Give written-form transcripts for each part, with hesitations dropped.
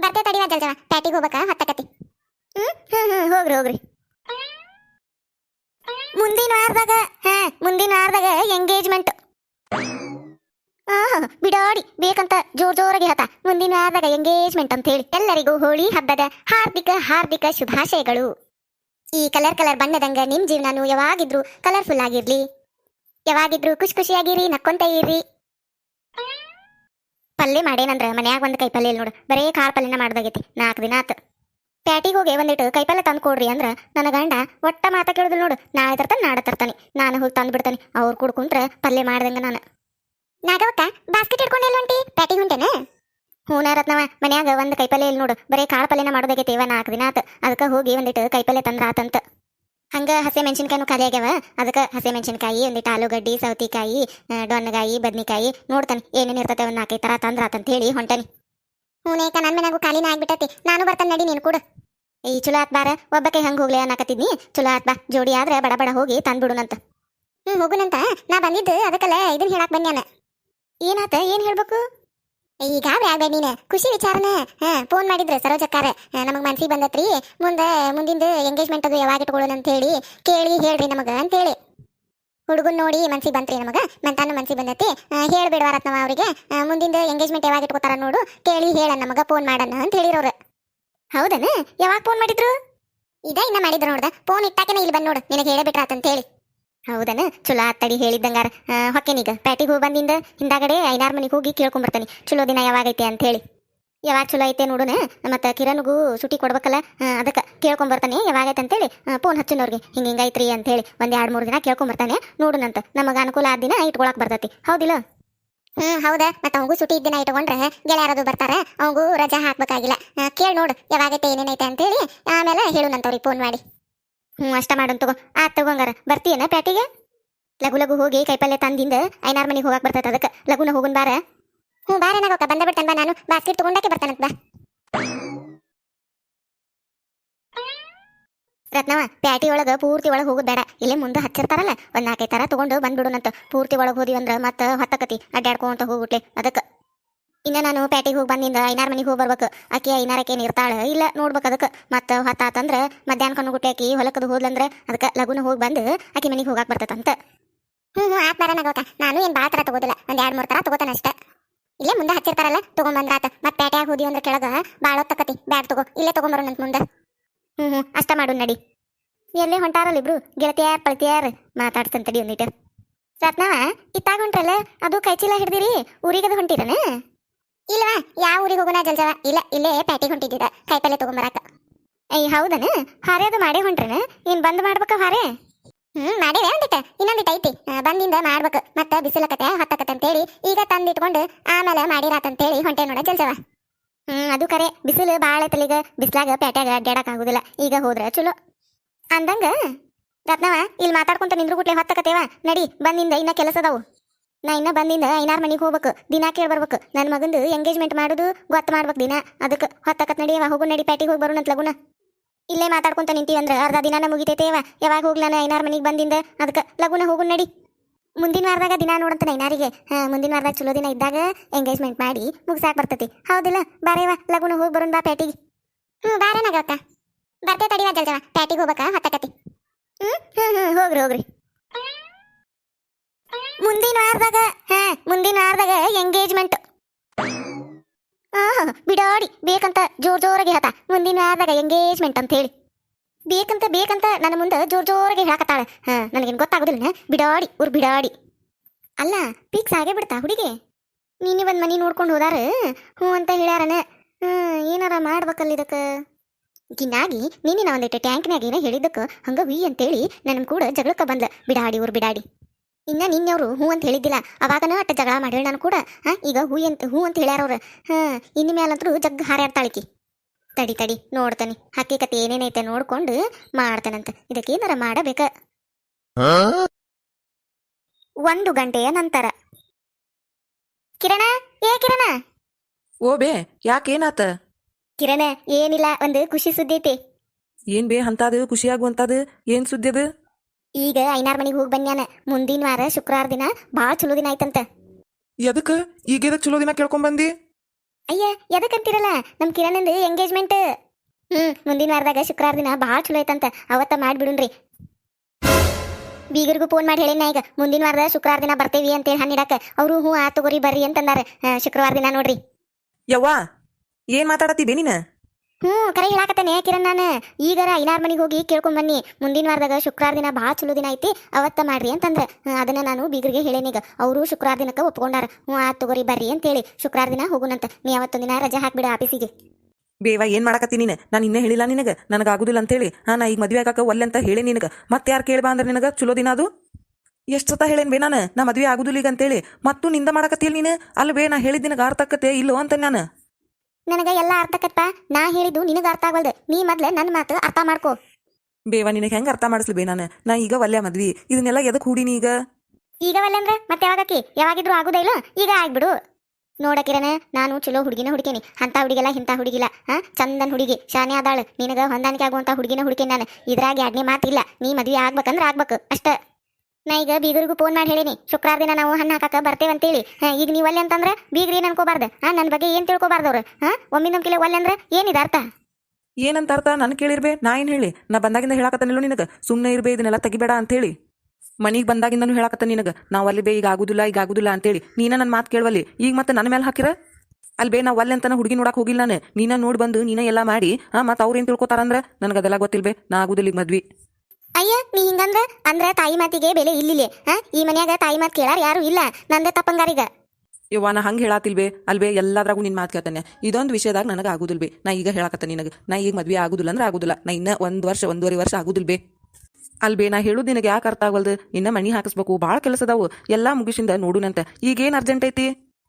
ಬರ್ತೆ ತಡಿವಾ ಜಲ್ಜವ ಪ್ಯಾಟಿಗೆ ಹೋಗ್ಬೇಕಾ ಹತ್ತಕತಿ. ಹೋಗ್ರಿ ಹೋಗ್ರಿ. ಮುಂದಿನ ವಾರದಾಗ ಮುಂದಿನ ವಾರದಾಗ ಎಂಗೇಜ್ಮೆಂಟ್. ಬಿಡಾಡಿ ಬೇಕಂತ ಜೋರಾಗಿ ಹತ ಮುಂದಿನ ವಾರದಾಗ ಎಂಗೇಜ್ಮೆಂಟ್ ಅಂತ ಹೇಳಿ. ಎಲ್ಲರಿಗೂ ಹೋಳಿ ಹಬ್ಬದ ಹಾರ್ದಿಕ ಹಾರ್ದಿಕ ಶುಭಾಶಯಗಳು. ಈ ಕಲರ್ ಬಣ್ಣದಂಗ ನಿಮ್ ಜೀವನನು ಯಾವಾಗಿದ್ರು ಕಲರ್ಫುಲ್ ಆಗಿರ್ಲಿ, ಯಾವಾಗಿದ್ರು ಖುಷಿ ಖುಷಿಯಾಗಿರಿ, ನಕ್ಕೊಂತ ಇರ್ರಿ. ಪಲ್ಯ ಮಾಡೇನಂದ್ರ ಮನ್ಯಾಗ ಒಂದ್ ಕೈಪಲ್ಯ ಇಲ್ಲ ನೋಡು, ಬರೇ ಕಾರ್ ಪಲ್ಯನ ಮಾಡ್ದಾಗೈತಿ. 4 ದಿನ ಆತ. ಪ್ಯಾಟಿಗೆ ಹೋಗಿ ಒಂದಿಟ್ಟು ಕೈಪಲ್ಯ ತಂದು ಕೊಡ್ರಿ ಅಂದ್ರ ನನ್ನ ಗಂಡ ಒಟ್ಟ ಮಾತ ಕೇಳುದಿಲ್ಲ ನೋಡು. ನಾಳೆ ತರ್ತಾನೆ ನಾಳೆ ತರ್ತಾನೆ, ನಾನು ಹೋಗಿ ತಂದು ಬಿಡ್ತಾನೆ. ಅವ್ರು ಕುಡ್ಕೊಂಡ್ರೆ ಪಲ್ಯ ಮಾಡ್ದಂಗ ನಾನು. ನಾಗವಕ್ಕ ಬಾಸ್ಕೆಟ್ ಹಿಡ್ಕೊಂಡೆಲ್ಲ ಹೊಂಟಿ ಪ್ಯಾಟಿಗೆ ಹೊಂಟೇನ? ಹೂನ ರತ್ನವ, ಮನ್ಯಾಗ ಒಂದ್ ಕೈಪಲ್ಯ ಇಲ್ಲ ನೋಡು, ಬರೇ ಕಾಳು ಪಲ್ಯನ ಮಾಡೋದಾಗೈತಿ. 4 ದಿನ ಆತ. ಅದಕ್ಕೆ ಹೋಗಿ ಒಂದಿಟ್ಟು ಕೈಪಲ್ಯ ತಂದ್ರ ಆತಂತ. ಹಂಗ ಹಸೆ ಮೆಣಸಿನ್ಕಾಯಿನೂ ಖಾಲಿ ಆಗ್ಯಾವ. ಅದಕ್ಕೆ ಹಸೆ ಮೆಣಸಿನ್ಕಾಯಿ, ಒಂದಿಟ್ಟು ಆಲೂಗಡ್ಡಿ, ಸೌತಿಕಾಯಿ, ಡೊಣ್ಣಗಾಯಿ, ಬದ್ನಿಕಾಯಿ ನೋಡ್ತಾನೆ ಏನೇನು ಇರ್ತತೆ ಒಂದ್ 4 ಥರ ತಂದ್ರ ಆತಂತ ಹೇಳಿ ಹೊಂಟಾನಿ. ಹೂನೇಕ ನನ್ನ ಮನ್ಯಾಗೂ ಖಾಲಿನ ಆಗ್ಬಿಟ್ಟತಿ. ನಾನು ಬರ್ತಾನೆ ನಡಿ, ನೀನು ಕೂಡ. ಈ ಚಲೋ ಆತ್ ಬಾರ, ಒಬ್ಬ ಕೈ ಹಂಗೆ ಹೋಗ್ಲಿ ಅನ್ನಕತ್ತಿದ್ನಿ. ಚಲೋ ಆತ್ ಬಾ, ಜೋಡಿ ಆದ್ರೆ ಬಡ ಬಡ ಹೋಗಿ ತಂದ್ಬಿಡುನಂತ. ಹೋಗುನಂತ ನಾ ಬಂದಿದ್ದು ಅದಕ್ಕಲ್ಲ ಇದನ್ನ ಹೇಳಕ್ ಬನ್ಯಾನ. ಏನಾತ, ಏನ್ ಹೇಳ್ಬೇಕು? ಈಗ ಆಗ್ಬೇಡ ನೀನು, ಖುಷಿ ವಿಚಾರನ. ಫೋನ್ ಮಾಡಿದ್ರೆ ಸರೋಜಕ್ಕಾರ ನಮಗ್ ಮನ್ಸಿಗೆ ಬಂದತ್ರಿ, ಮುಂದಿಂದ ಎಂಗೇಜ್ಮೆಂಟ್ ಅದು ಯಾವಾಗ ಇಟ್ಕೊಳ್ಳೋಣ ಅಂತ ಹೇಳಿ ಕೇಳಿ ಹೇಳ್ರಿ ನಮಗ ಅಂತೇಳಿ. ಹುಡುಗನ್ ನೋಡಿ ಮನ್ಸಿಗೆ ಬಂತ್ರಿ ನಮಗ, ಮಂತಾನು ಮನ್ಸಿಗೆ ಬಂದತಿ. ಹೇಳ್ಬಿಡ್ವಾ ರತ್ನವ ಅವ್ರಿಗೆ, ಮುಂದಿಂದ ಎಂಗೇಜ್ಮೆಂಟ್ ಯಾವಾಗ ಇಟ್ಕೋತಾರ ನೋಡು, ಕೇಳಿ ಹೇಳ ನಮಗ ಫೋನ್ ಮಾಡಣ ಅಂತ ಹೇಳಿರೋರು. ಹೌದನ? ಯಾವಾಗ ಫೋನ್ ಮಾಡಿದ್ರು? ಇನ್ನ ಮಾಡಿದ್ರು ನೋಡ್ದ. ಫೋನ್ ಇಟ್ಟಾಕೆನ ಇಲ್ಲಿ ಬಂದ್ ನೋಡು, ನಿನಗೆ ಹೇಳಬಿಟ್ರಾತಂತ ಹೇಳಿ. ಹೌದನ? ಚಲೋ ಆತ್ತಡಿ ಹೇಳಿದ್ದಂಗಾರ. ಹೊಕ್ಕೇನೀಗ ಪ್ಯಾಟಿಗೆ ಹೋಗಿ ಬಂದಿಂದ ಹಿಂದಾಗಡೆ ಐನಾರ್ ಮನೆಗೆ ಹೋಗಿ ಕೇಳ್ಕೊಂಬರ್ತಾನೆ ಚಲೋ ದಿನ ಯಾವಾಗೈತೆ ಅಂತ ಹೇಳಿ. ಯಾವಾಗ ಚಲೋ ಐತೆ ನೋಡುನ, ಮತ್ತು ಕಿರಣ್ಗೂ ಸುಟಿ ಕೊಡ್ಬೇಕಲ್ಲ, ಅದಕ್ಕೆ ಕೇಳ್ಕೊಂಬರ್ತಾನೆ ಯಾವಾಗೈತೆ ಅಂತೇಳಿ. ಫೋನ್ ಹಚ್ಚಿನವ್ರಿಗೆ ಹಿಂಗೈತ್ರಿ ಅಂತೇಳಿ 1-2-3 ದಿನ ಕೇಳ್ಕೊಂಬರ್ತಾನೆ. ನೋಡುನಂತ ನಮಗೆ ಅನುಕೂಲ ಆದ ದಿನ ಇಟ್ಕೊಳಕ್ ಬರ್ತೈತಿ. ಹೌದಿಲ್ಲ? ಹೌದಾ. ಮತ್ತೆ ಅವಂಗೂ ಸುಟಿ ಇದ್ದಿನ ಇಟ್ಕೊಂಡ್ರೆ ಗೆಳೆಯರದು ಬರ್ತಾರ, ಅವಂಗೂ ರಜಾ ಹಾಕ್ಬೇಕಾಗಿಲ್ಲ. ಕೇಳಿ ನೋಡು ಯಾವಾಗೈತೆ ಏನೇನೈತೆ ಅಂತೇಳಿ, ಆಮೇಲೆ ಹೇಳುನಂತವ್ರಿಗೆ ಫೋನ್ ಮಾಡಿ. ಅಷ್ಟ ಮಾಡೋನ್ ತಗೋ. ಆತ್ ತಗೋಂಗಾರ. ಬರ್ತೀಯನ ಪ್ಯಾಟಿಗೆ? ಲಘು ಹೋಗಿ ಕೈಪಲ್ಯ ತಂದಿಂದ ಐನಾರ್ ಮನೆಗೆ ಹೋಗಕ್ ಬರ್ತೈತೆ. ಅದಕ್ಕೆ ಲಘುನ ಹೋಗುನ್ ಬಾರ. ಬಾರೇನಾಗೋಕ ಬಂದ ಬಿಡ್ತಾನೆ ಬಾ, ನಾನು ಬಾಸ್ಕೆಟ್ ತಗೊಂಡಾಕೆ ಬರ್ತಾನಂತ ಬಾ. ರತ್ನವ, ಪ್ಯಾಟಿ ಒಳಗೆ ಪೂರ್ತಿ ಒಳಗೆ ಹೋಗೋದು ಬೇಡ. ಇಲ್ಲೇ ಮುಂದೆ ಹಚ್ಚಿರ್ತಾರಲ್ಲ, ಒಂದು 4-5 ಥರ ತಗೊಂಡು ಬಂದ್ಬಿಡುನಂತ. ಪೂರ್ತಿ ಒಳಗೆ ಹೋದಿವಂದ್ರೆ ಮತ್ತೆ ಹೊತ್ತಕತಿ ಅಡ್ಡಾಡ್ಕೊಂತ ಹೋಗ್ಬಿಟ್ಲೆ. ಅದಕ್ಕೆ ಇನ್ನು ನಾನು ಪ್ಯಾಟಿಗೆ ಹೋಗಿ ಬಂದಿಂದ ಐನಾರ್ ಮನೆಗೆ ಹೋಗಿ ಬರ್ಬೇಕು. ಆಕೆ ಐನಾರಕ್ಕೇನು ಇರ್ತಾಳೆ ಇಲ್ಲ ನೋಡ್ಬೇಕು. ಅದಕ್ಕೆ ಮತ್ತೆ ಹೊತ್ತಾತಂದ್ರೆ ಮಧ್ಯಾಹ್ನ ಕಣ್ಣು ಆಕಿ ಹೊಲಕ್ಕದು ಹೋದ್ಲಂದ್ರೆ ಅದಕ್ಕೆ ಲಘುನ ಹೋಗಿ ಬಂದು ಆಕೆ ಮನೆಗೆ ಹೋಗಕ್ಕೆ ಬರ್ತೈತಂತ. ಆತ್ ಬರೋನಾಗೋಕ. ನಾನು ಏನು ಭಾಳ ಥರ ತಗೋದಿಲ್ಲ, 1-2-3 ಥರ ತಗೋತಾನೆ ಅಷ್ಟೇ. ಇಲ್ಲೇ ಮುಂದೆ ಹಚ್ಚಿರ್ತಾರಲ್ಲ ತೊಗೊಂಬಂದ್ರಾತ. ಮತ್ತೆ ಪ್ಯಾಟ್ಯಾಗ ಹೋದಿ ಅಂದ್ರೆ ಕೆಳಗೆ ಭಾಳ ಹೊತ್ತಕತಿ. ಬ್ಯಾಗ್ ತಗೋ, ಇಲ್ಲೇ ತೊಗೊಂಬರೋಣಂತ ಮುಂದೆ. ಅಷ್ಟ ಮಾಡು ನಡಿ. ಎಲ್ಲೇ ಹೊಂಟಾರಲ್ಲ ಇಬ್ರು ಗೆಳತಿಯಾರ್ ಪಳತಿಯಾರ್, ಮಾತಾಡ್ತಂತಡಿ ಒಂದಿಟ್ಟು. ರತ್ನವ, ಇತ್ತಾಗ ಹೊಂಟ್ರಲ್ಲ, ಅದು ಕೈಚೀಲ ಹಿಡ್ದಿರಿ ಊರಿಗದು ಹೊಂಟಿರನ? ಇಲ್ವಾ, ಯಾವ ಊರಿಗೆ ಹೋಗೋಣ ಜಲ್ಜವ? ಇಲ್ಲ, ಇಲ್ಲೇ ಪ್ಯಾಟಿಗೆ ಹೊಂಟಿದ್ದ ಕೈಪಲ್ಲೆ ತಗೊಂಬರಾಕ. ಹೌದನ? ಹಾರೆ ಅದು ಮಾಡೇ ಹೊಂಟ್ರನ? ಏನು ಬಂದ್ ಮಾಡ್ಬೇಕ ಹಾರೆ? ಮಾಡೇವೆ ಇನ್ನೊಂದಿಟ್ಟು ಐತಿ, ಬಂದಿಂದ ಮಾಡ್ಬೇಕು. ಮತ್ತೆ ಬಿಸಿಲಕತೆ ಹೊತ್ತಕತೆ ಅಂತೇಳಿ ಈಗ ತಂದಿಟ್ಕೊಂಡು ಆಮೇಲೆ ಮಾಡಿರಾತಂತೇಳಿ ಹೊಂಟೆ ನೋಡ ಜಲ್ಜವ. ಅದು ಕರೆ, ಬಿಸಿಲು ಭಾಳ ಐತಲ್ಲ ಈಗ. ಬಿಸಿಲಾಗ ಪ್ಯಾಟ್ಯಾಗ ಅಡ್ಡಾಡಕ್ ಆಗುದಿಲ್ಲ. ಈಗ ಹೋದ್ರ ಚಲೋ ಅಂದಂಗ. ರತ್ನವ, ಇಲ್ಲಿ ಮಾತಾಡ್ಕೊಂತ ನಿಂದ್ರು ಗುಟ್ಲೆ ಹೊತ್ತಕತೇವ. ನಡಿ, ಬಂದಿಂದ ಇನ್ನ ಕೆಲಸ ಅದಾವು. ನಾ ಇನ್ನ ಬಂದಿಂದ ಐನಾರ್ ಮನೆಗೆ ಹೋಗ್ಬೇಕು, ದಿನ ಕೇಳಿ ಬರ್ಬೇಕು. ನನ್ನ ಮಗಂದು ಎಂಗೇಜ್ಮೆಂಟ್ ಮಾಡೋದು ಗೊತ್ತು ಮಾಡ್ಬೇಕು ದಿನ. ಅದಕ್ಕೆ ಹೊತ್ತಕತ್ ನಡಿಯವ. ಹೋಗು ನಡಿ, ಪ್ಯಾಟಿಗೆ ಹೋಗಿ ಬರೋಣಂತ ಲಗುನ. ಇಲ್ಲೇ ಮಾತಾಡ್ಕೊಂತ ನಿಂತೀವಂದ್ರೆ ಅರ್ಧ ದಿನಾನ ಮುಗಿತೈತೇವ. ಯಾವಾಗ ಹೋಗ್ಲಾನ ಐನಾರ್ ಮನೆಗೆ ಬಂದಿಂದ? ಅದಕ್ಕೆ ಲಗುನ ಹೋಗು ನಡಿ. ಮುಂದಿನ ವಾರದಾಗ ದಿನ ನೋಡಂತ ಐನಾರಿಗೆ. ಮುಂದಿನ ವಾರದಾಗ ಚಲೋ ದಿನ ಇದ್ದಾಗ ಎಂಗೇಜ್ಮೆಂಟ್ ಮಾಡಿ ಮುಗಿಸಾಕ್ ಬರ್ತೈತಿ. ಹೌದಿಲ್ಲ? ಬಾರೇವ ಲಗುನ ಹೋಗಿ ಬರೋಣ ಬಾ ಪ್ಯಾಟಿಗೆ. ಬಾರೇನಾಗಕ್ಕ. ಬರ್ತೇ ತಡಿವಾ ಜಲ್ಜವ, ಪ್ಯಾಟಿಗೆ ಹೋಗ್ಬೇಕಾ ಹೊತ್ತಕತಿ. ಹೋಗ್ರಿ. ಮುಂದಿನ ವಾರದಾಗ ಎಂಗೇಜ್ಮೆಂಟ್. ಬಿಡಾಡಿ ಬೇಕಂತ ಜೋರಾಗಿ ಹೇಳ್ತಾ ಮುಂದಿನ ವಾರದಾಗ ಎಂಗೇಜ್ಮೆಂಟ್ ಅಂತ ಹೇಳಿ. ಬೇಕಂತ ನನ್ನ ಮುಂದೆ ಜೋರಾಗಿ ಹೇಳಕತ್ತಾಳೆ. ನನಗೇನು ಗೊತ್ತಾಗೋದಿಲ್ಲ. ಬಿಡಾಡಿ ಊರು ಬಿಡಾಡಿ. ಅಲ್ಲ, ಫಿಕ್ಸ್ ಆಗೇ ಬಿಡ್ತಾ ಹುಡುಗಿ? ನೀನು ಒಂದು ಮನೆ ನೋಡ್ಕೊಂಡು ಹೋದಾರ ಅಂತ ಹೇಳ್ಯಾರನ. ಏನಾರ ಮಾಡ್ಬೇಕಲ್ಲ ಇದಕ್ಕೆ. ಗಿನ್ನಾಗಿ ನೀನಿನ ಒಂದಿಟ್ಟು ಟ್ಯಾಂಕ್ನಾಗ ಏನೋ ಹೇಳಿದ್ದಕ್ಕೆ ಹಂಗ ವಿ ಅಂತೇಳಿ ನನ್ನ ಕೂಡ ಜಗಳಕ್ಕೆ ಬಂದ್ಲ. ಬಿಡಾಡಿ ಊರು ಬಿಡಾಡಿ. ಇನ್ನು ನಿನ್ನೆಯವರು ಅಂತ ಹೇಳಿದ್ದಿಲ್ಲ, ಅವಾಗನ ಅಟ್ಟ ಜಗಳ ಮಾಡಿ ನಾನು ಕೂಡ. ಈಗ ಹೂ ಅಂತ ಹೇಳ್ಯಾರವ್ರು. ಇನ್ನು ಮೇಲಂತರೂ ಜಗ್ ಹಾರಾಡ್ತಾಳಿಕಿ. ತಡಿ ನೋಡ್ತಾನೆ, ಹಕ್ಕಿಕತೆ ಏನೇನೈತೆ ನೋಡ್ಕೊಂಡು ಮಾಡ್ತಾನಂತ. ಇದಕ್ಕೆ ಏನಾರ ಮಾಡಬೇಕ. 1 ಗಂಟೆಯ ನಂತರ. ಕಿರಣ, ಕಿರಣ. ಓ ಬೇ, ಯಾಕೇನಾತ? ಕಿರಣ, ಏನಿಲ್ಲ, ಒಂದು ಖುಷಿ ಸುದ್ದಿ ಐತಿ. ಏನ್ ಬೇ ಅಂತದು ಖುಷಿಯಾಗುವಂತದು? ಏನ್ ಸುದ್ದಿ ಅದು? ಈಗ ಐನಾರ್ ಮನೆಗೆ ಹೋಗಿ ಬನ್ಯಾನ. ಮುಂದಿನ ವಾರ ಶುಕ್ರವಾರ ದಿನ ಭಾಳ ಚಲೋ ದಿನ ಆಯ್ತಂತ. ಎದಕ್ಕೆ ಈಗೇದ ಚಲೋ ದಿನ ಕೇಳ್ಕೊಂಬಂದಿ? ಅಯ್ಯ ಎದಕ್ಕಂತೀರಲ್ಲ ನಮ್ಮ ಕಿರಣಂದು ಎಂಗೇಜ್ಮೆಂಟ್. ಮುಂದಿನ ವಾರದಾಗ ಶುಕ್ರವಾರ ದಿನ ಭಾಳ ಚಲೋ ಐತಂತ, ಅವತ್ತ ಮಾಡ್ಬಿಡುನ್ರಿ. ಬೀಗರಿಗೂ ಫೋನ್ ಮಾಡಿ ಹೇಳಿನ ಈಗ ಮುಂದಿನ ವಾರದ ಶುಕ್ರವಾರ ದಿನ ಬರ್ತೇವಿ ಅಂತೇಳಿ ಹಣ್ಣಿಡಾಕ. ಅವರು ಹ್ಞೂ ಆ ತಗೋರಿ ಬರ್ರಿ ಅಂತಂದಾರ. ಶುಕ್ರವಾರ ದಿನ ನೋಡ್ರಿ. ಯವ್ವಾ ಏನ್ ಮಾತಾಡತ್ತಿ ನೀನ? ಕರೆ ಹೇಳಾಕತ್ತೇನೆ ಕಿರಣ್. ನಾನು ಈಗಾರ ಐನಾರ್ ಮನೆಗೆ ಹೋಗಿ ಕೇಳ್ಕೊಂಡ್ ಬನ್ನಿ, ಮುಂದಿನ ವಾರದಾಗ ಶುಕ್ರವಾರ ದಿನ ಭಾಳ ಚಲೋ ದಿನ ಐತಿ, ಅವತ್ತ ಮಾಡ್ರಿ ಅಂತಂದ್ರೆ ಅದನ್ನ ನಾನು ಬೀಗರಿಗೆ ಹೇಳೇನೀಗ. ಅವರು ಶುಕ್ರವಾರ ದಿನಕ್ಕೆ ಒಪ್ಕೊಂಡಾರ. ಆ ತಗೋರಿ ಬರ್ರಿ ಅಂತೇಳಿ ಶುಕ್ರವಾರ ದಿನ ಹೋಗುನಂತ. ನೀ ಅವತ್ತೊಂದಿನ ರಜೆ ಹಾಕ್ಬಿಡ ಆಫೀಸಿಗೆ. ಬೇವ ಏನ್ ಮಾಡಕತ್ತಿ ನೀನು? ನಾನು ಇನ್ನೇ ಹೇಳಿಲ್ಲ ನಿನಗೆ ನನಗೆ ಆಗುದಿಲ್ಲ ಅಂತೇಳಿ. ನಾ ಈಗ ಮದ್ವೆ ಆಗಾಕ ಒಲ್ಲೆ ಅಂತ ಹೇಳಿ ನಿನಗೆ. ಮತ್ತೆ ಯಾರು ಕೇಳ್ಬಾ ಅಂದ್ರೆ ನಿನಗೆ ಚಲೋ ದಿನ ಅದು ಎಷ್ಟು ಸತ ಹೇಳೇನ್ ಬೇ ನಾನು ನಾ ಮದ್ವೆ ಆಗುದಿಲ್ಲ ಈಗ ಅಂತೇಳಿ. ಮತ್ತು ನಿಂದ ಮಾಡಕತ್ತಿಲ್ಲ ನೀನು. ಅಲ್ಲಿ ಬೇ ನಾ ಹೇಳಿದ ನಿನಗೆ ಅರ್ಥಕ್ಕತ್ತೆ ಇಲ್ಲೋ ಅಂತ ನಾನು. ನನಗೆ ಎಲ್ಲ ಅರ್ಥಕತ್ತ. ನಾ ಹೇಳಿದ್ದು ನಿನಗೆ ಅರ್ಥ ಆಗಲ್ದು. ನೀ ಮೊದ್ಲೆ ನನ್ನ ಮಾತು ಅರ್ಥ ಮಾಡ್ಕೋ. ಬೇವ ನಿನಗೆ ಹೆಂಗೆ ಅರ್ಥ ಮಾಡಿಸ್ಲಿ ಬೇ ನಾ ಈಗ ಒಲ್ಲೆ ಮದ್ವಿ ಇದನ್ನೆಲ್ಲ ಎದಕ್ಕೆ ಹೂಡಿನಿ ಈಗ ಒಲ್ಲೆ ಮತ್ತೆ ಯಾವಾಗಕ್ಕಿ? ಯಾವಾಗಿದ್ರು ಆಗುದೇ ಇಲ್ಲ, ಈಗ ಆಗ್ಬಿಡು. ನೋಡಕಿರನ ನಾನು ಚಲೋ ಹುಡುಗಿನ ಹುಡುಕೇನಿ. ಅಂತ ಹುಡುಗಿಲ್ಲ ಇಂಥ ಹುಡುಗಿಲ್ಲ. ಚಂದನ್ ಹುಡುಗಿ ಶಾನೆ ಆದಾಳು. ನಿನಗೆ ಹೊಂದಾಣಿಕೆ ಆಗುವಂಥ ಹುಡುಗಿನ ಹುಡುಕೇನಿ ನಾನು. ಇದ್ರಾಗ ಎರಡನೇ ಮಾತಿಲ್ಲ. ನೀ ಮದ್ವೆ ಆಗ್ಬೇಕಂದ್ರೆ ಆಗ್ಬೇಕು ಅಷ್ಟೇ. ನಾ ಈಗ ಬೀಗರಿಗೂ ಫೋನ್ ಮಾಡಿ ಹೇಳೀನಿ ಶುಕ್ರವಾರ ದಿನ ನಾವು ಹಣ್ಣು ಹಾಕಕ್ಕೆ ಬರ್ತೇವಂತೇಳಿ. ಈಗ ನೀವು ಒಲ್ಲೆ ಅಂತಂದ್ರೆ ಬೀಗ್ರಿ ಏನು ಅನ್ಕೋಬಾರ್ದು. ನನ್ನ ಬಗ್ಗೆ ಏನು ತಿಳ್ಕೊಬಾರ್ದವ್ರು. ಒಮ್ಮಿಂದೊಮ್ಕಿಲೆ ಒಲ್ಲೆ ಅಂದ್ರೆ ಏನಿದೆ ಅರ್ಥ? ಏನಂತ ಅರ್ಥ? ನನ್ ಕೇಳಿರ್ಬೇ. ನಾ ಏನು ಹೇಳಿ? ನಾ ಬಂದಾಗಿಂದ ಹೇಳಕತ್ತನಿಲ್ಲ ನಿನಗೆ ಸುಮ್ಮನೆ ಇರ್ಬೇ ಇದನ್ನೆಲ್ಲ ತೆಗಿಬೇಡ ಅಂತೇಳಿ. ಮನಿಗೆ ಬಂದಾಗಿಂದನೂ ಹೇಳಕತ್ತ ನಿನಗೆ ನಾವು ಅಲ್ಲಿ ಬೇ ಈಗ ಆಗುದಿಲ್ಲ ಅಂತೇಳಿ. ನೀನ ನನ್ನ ಮಾತು ಕೇಳವಲ್ಲಿ. ಈಗ ಮತ್ತೆ ನನ್ನ ಮೇಲೆ ಹಾಕಿರ ಅಲ್ಲಿ ಬೇ ನಾವು ಅಲ್ಲಿ ಅಂತಾನೆ ಹುಡುಗಿ ನೋಡಕ್ಕೆ ಹೋಗಿಲ್ಲ ನಾನು. ನೀನ ನೋಡಿ ಬಂದು ನೀನ ಎಲ್ಲ ಮಾಡಿ ಮತ್ತೆ ಅವ್ರು ಏನು ತಿಳ್ಕೊತಾರಂದ್ರೆ ನನಗೆ ಅದೆಲ್ಲ ಗೊತ್ತಿಲ್ಬೇ. ನಾ ಆಗುದಿಲ್ಲ ಈಗ ಮದ್ವಿ. ಅಯ್ಯ ನೀ ಅಂದ್ರೆ ತಾಯಿ ಮಾತಿಗೆ ಬೆಲೆ ಇಲ್ಲಿಲ್ಲ. ಈ ಮನ್ಯಾಗ ತಾಯಿ ಮಾತು ಕೇಳಾರ ಯಾರು ಇಲ್ಲ. ನಂದೇ ತಪ್ಪಂಗಾರೀಗ. ಯವ್ವ ನಾ ಹಂಗೆ ಹೇಳಾತಿಲ್ಬೇ. ಅಲ್ಬೇ ಎಲ್ಲದ್ರಾಗೂ ನಿನ್ನ ಮಾತು ಕೇಳ್ತಾನೆ. ಇದೊಂದು ವಿಷಯದಾಗ ನನಗೆ ಆಗುದಿಲ್ಬೇ. ನಾ ಈಗ ಹೇಳಕತ್ತ ನಿನಗೆ ನಾ ಈಗ ಮದ್ವೆ ಆಗುದಿಲ್ಲ ಅಂದ್ರೆ ಆಗುದಿಲ್ಲ. ನಾ ಇನ್ನ ಒಂದೂವರೆ ವರ್ಷ ಆಗುದಿಲ್ಬೇ. ಅಲ್ಬೇ ನಾ ಹೇಳುದು ನಿನಗೆ ಯಾಕೆ ಅರ್ಥ ಆಗಲ್ದು? ಇನ್ನ ಮಣಿ ಹಾಕಿಸ್ಬೇಕು, ಭಾಳ ಕೆಲಸ ಅದಾವು. ಎಲ್ಲಾ ಮುಗಿಸಿಂದ ನೋಡುನಂತ. ಈಗೇನು ಅರ್ಜೆಂಟ್ ಐತಿ?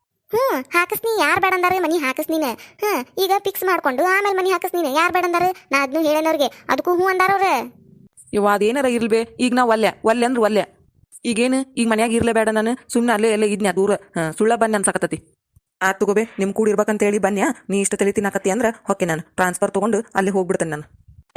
ಹಾಕಿಸ್ನಿ. ಯಾರು ಬೇಡ ಅಂದಾರೆ ಮನಿ ಹಾಕಿಸ್ನೀನ. ಈಗ ಫಿಕ್ಸ್ ಮಾಡ್ಕೊಂಡು ಆಮೇಲೆ ಮನಿ ಹಾಕಿಸ್ನೀನ. ಯಾರು ಬೇಡ ಅಂದಾರೆ? ನಾ ಅದನ್ನು ಹೇಳೇನವ್ರಿಗೆ. ಅದಕ್ಕೂ ಹ್ಞೂ ಅಂದಾರವ್ರೆ. ಇವ ಅದೇನಾರ ಇರ್ಲ್ಬೇ. ಈಗ ನಾ ಒಲ್ಲೆ ಅಂದ್ರೆ ಒಲ್ಲೆ. ಈಗೇನು ಈಗ ಮನ್ಯಾಗ ಇರ್ಲೇಬೇಡ. ನಾನು ಸುಮ್ಮನೆ ಅಲ್ಲೇ ಎಲ್ಲ ಇದ್ನ್ಯಾ ದೂರ. ಸುಳ್ಳ ಬನ್ನಿ ಅನ್ಸಕತ್ತತಿ. ಆತ್ ತಗೋಬೇ. ನಿಮ್ ಕೂಡ ಇರ್ಬೇಕಂತೇಳಿ ಬನ್ಯಾ. ನೀ ಇಷ್ಟ ತಲೆ ತಿನ್ನಕತ್ತಿ ಅಂದ್ರೆ ಹೊಕ್ಕೆ ನಾನು ಟ್ರಾನ್ಸ್ಫರ್ ತಗೊಂಡು ಅಲ್ಲಿ ಹೋಗ್ಬಿಡ್ತೇನೆ ನಾನು.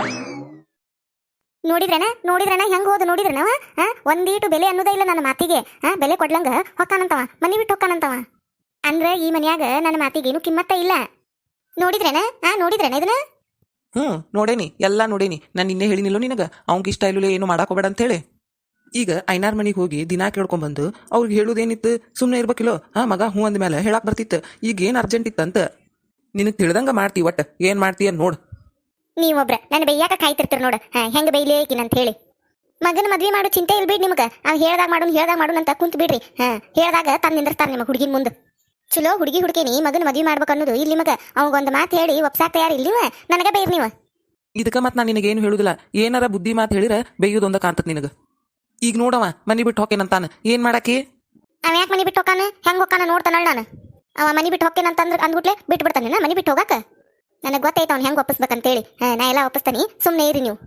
ನೋಡಿದ್ರಣ ಹೆಂಗ್ ಹೋದ ನೋಡಿದ್ರನವ. ಒಂದೀಟು ಬೆಲೆ ಅನ್ನೋದೇ ಇಲ್ಲ ನನ್ನ ಮಾತಿಗೆ. ಬೆಲೆ ಕೊಡ್ಲಂಗ ಹೊಕ್ಕಾನಂತವ. ಮನಿ ಬಿಟ್ಟು ಹೊಕ್ಕಾನಂತವ. ಅಂದ್ರೆ ಈ ಮನ್ಯಾಗ ನನ್ನ ಮಾತಿಗೇನು ಕಿಮ್ಮತ್ತ ಇಲ್ಲ. ನೋಡಿದ್ರೇನ ಇದನ್ನ? ನೋಡೇನಿ, ಎಲ್ಲ ನೋಡೇನಿ. ನಾನು ನಿನ್ನೆ ಹೇಳಿನಿಲ್ಲೋ ನಿನಗೆ ಅವ್ನಿಗೆ ಇಷ್ಟ ಇಲ್ಲೋ ಏನು ಮಾಡಾಕೋಬೇಡ ಅಂತೇಳಿ. ಈಗ ಐನಾರ್ ಮನೆಗೆ ಹೋಗಿ ದಿನಾ ಕೇಳ್ಕೊಂಬಂದು ಅವ್ರಿಗೆ ಹೇಳುದೇನಿತ್ತು? ಸುಮ್ಮನೆ ಇರ್ಬೇಕಿಲ್ಲೋ. ಮಗ ಹ್ಞೂ ಅಂದ್ಮೇಲೆ ಹೇಳಕ್ ಬರ್ತಿತ್ತು. ಈಗ ಏನು ಅರ್ಜೆಂಟ್ ಇತ್ತಂತ ನಿನಗೆ ತಿಳಿದಂಗ ಮಾಡ್ತಿ. ಒಟ್ಟು ಏನು ಮಾಡ್ತೀಯ ನೋಡು. ನೀವೊಬ್ರ ನನ್ನ ಬೈಯಾಕ ಕಾಯ್ತಿರ್ತೀರ ನೋಡ. ಹೆಂಗ ಬೈಲೇಕಿನಂತ ಹೇಳಿ. ಮಗನ ಮದ್ವೆ ಮಾಡೋ ಚಿಂತೆ ಇಲ್ಬಿಡ್ ನಿಮ್ಗೆ. ಅವ್ ಹೇಳ್ದಾಗ ಮಾಡೋಣ ಅಂತ ಕುಂತ್ ಬಿಡ್ರಿ. ಹೇಳ್ದಾಗ ತಂದು ನಿಂದಿರ್ತಾರ ನಿಮ್ಮ ಹುಡುಗಿನ ಮುಂದೆ. ಚಲೋ ಹುಡುಗಿ ಹುಡುಕೇನಿ ಮಗನ ಮದ್ವೆ ಮಾಡ್ಬೇಕು ಅನ್ನೋದು ಇಲ್ಲಿ ನಿಮಗೆ. ಅವಂಗೊಂದು ಮಾತು ಹೇಳಿ ಒಪ್ಸಾಕ ತಯಾರು ಇಲ್ಲ ನೀವು. ನನಗೆ ಬೈರ್ ನೀವು. ಇದಕ್ಕೆ ಮತ್ತೆ ನಾನು ನಿನಗೇನು ಹೇಳುದಿಲ್ಲ. ಏನಾರ ಬುದ್ಧಿ ಮಾತು ಹೇಳಿರ ಬೈಯೋದೊಂದ ಕಾಣ್ತತ್ ನಿನಗೆ. ಈಗ ನೋಡವ ಮನಿ ಬಿಟ್ಟು ಹೊಕ್ಕೇನಂತಾನ. ಏನು ಮಾಡಾಕಿ? ಅವ ಯಾಕೆ ಮನಿ ಬಿಟ್ಟು ಹೋಗಾನ? ಹೆಂಗೆ ಹೋಗಾನ ನೋಡ್ತಾನಳ ನಾನು. ಅವ ಮನಿ ಬಿಟ್ಟು ಹೊಕ್ಕೇನಂತಂದ್ರೆ ಅಂದ್ಬಿಟ್ಲೆ ಬಿಟ್ಟು ಬಿಡ್ತಾನೆ ಮನಿ ಬಿಟ್ಟು ಹೋಗಾಕ. ನನಗೆ ಗೊತ್ತೈತೆ ಅವ್ನು ಹೆಂಗೆ ಒಪ್ಪಿಸ್ಬೇಕಂತೇಳಿ. ನಾ ಎಲ್ಲ ಒಪ್ಪಿಸ್ತಾನೆ. ಸುಮ್ಮನೆ ಇರಿ ನೀವು.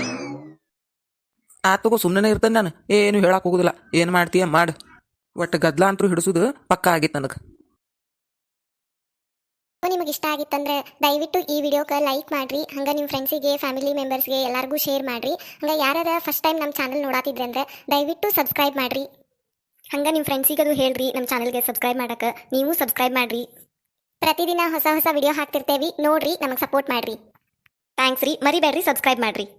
ಆತಗೋ ಸುಮ್ಮನೆ ಇರ್ತಾನೆ ನಾನು. ಏನು ಹೇಳಕ್ ಹೋಗುದಿಲ್ಲ. ಏನು ಮಾಡ್ತೀಯ ಮಾಡು. ಒಟ್ಟು ಗದ್ಲ ಅಂತೂ ಹಿಡಿಸೋದು ಪಕ್ಕ ಆಗಿತ್ತು ನನಗೆ. ನಿಮಗೆ ಇಷ್ಟ ಆಗಿತ್ತಂದ್ರೆ ದಯವಿಟ್ಟು ಈ ವಿಡಿಯೋಕ್ಕೆ ಲೈಕ್ ಮಾಡಿರಿ. ಹಂಗೆ ನಿಮ್ಮ ಫ್ರೆಂಡ್ಸಿಗೆ ಫ್ಯಾಮಿಲಿ ಮೆಂಬರ್ಸ್ಗೆ ಎಲ್ಲರಿಗೂ ಶೇರ್ ಮಾಡಿರಿ. ಹಂಗೆ ಯಾರು ಫಸ್ಟ್ ಟೈಮ್ ನಮ್ಮ ಚಾನಲ್ ನೋಡಾತಿದ್ರೆ ಅಂದರೆ ದಯವಿಟ್ಟು ಸಬ್ಸ್ಕ್ರೈಬ್ ಮಾಡಿರಿ. ಹಂಗೆ ನಿಮ್ಮ ಫ್ರೆಂಡ್ಸಿಗೆ ಅದು ಹೇಳ್ರಿ ನಮ್ಮ ಚಾನಲ್ಗೆ ಸಬ್ಸ್ಕ್ರೈಬ್ ಮಾಡೋಕೆ. ನೀವು ಸಬ್ಸ್ಕ್ರೈಬ್ ಮಾಡಿರಿ. ಪ್ರತಿದಿನ ಹೊಸ ವಿಡಿಯೋ ಹಾಕ್ತಿರ್ತೇವೆ. ನೋಡ್ರಿ, ನಮಗೆ ಸಪೋರ್ಟ್ ಮಾಡಿರಿ. ಥ್ಯಾಂಕ್ಸ್ ರೀ. ಮರಿಬೇಡ್ರಿ ಸಬ್ಸ್ಕ್ರೈಬ್ ಮಾಡಿರಿ.